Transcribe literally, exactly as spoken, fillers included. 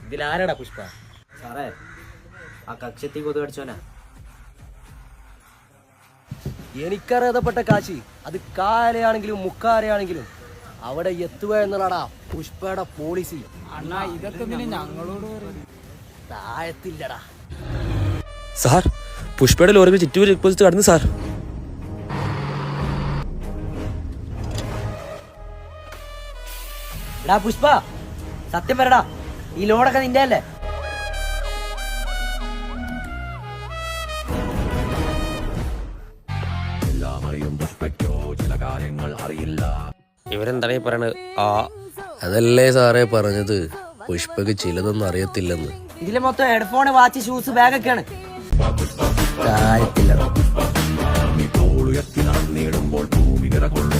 ഇതിലാരാടാ പുഷ്പ? സാറേ, ആ കക്ഷത്തി കൊതു കടിച്ചോനാ. എനിക്കറിയാതപ്പെട്ട കാശി, അത് കാലയാണെങ്കിലും മുക്കാലയാണെങ്കിലും അവിടെ എത്തുക എന്നുള്ളടാ പുഷ്പയുടെ പോളിസി. അണ്ണാ ഇതൊക്കെ ഞങ്ങളോട് താഴത്തില്ലടാ. സാർ, പുഷ്പയുടെ ലോറികൾ ചിറ്റൂർ ചെക്ക് പോസ്റ്റ് കടന്നു സാർ. എടാ പുഷ്പ, സത്യം പറടാ, ഈ ലോഡൊക്കെ നിന്റെ അല്ലേ? ഇവരെന്താണ് പറയണത്? ആ അതല്ലേ സാറേ പറഞ്ഞത്, പുഷ്പക്ക് ചിലതൊന്നും അറിയത്തില്ലെന്ന്. ഇതില് മൊത്തം ഹെഡ്ഫോൺ, വാച്ച്, ഷൂസ്, ബാഗൊക്കെയാണ്. താഴത്തില്ലടാ.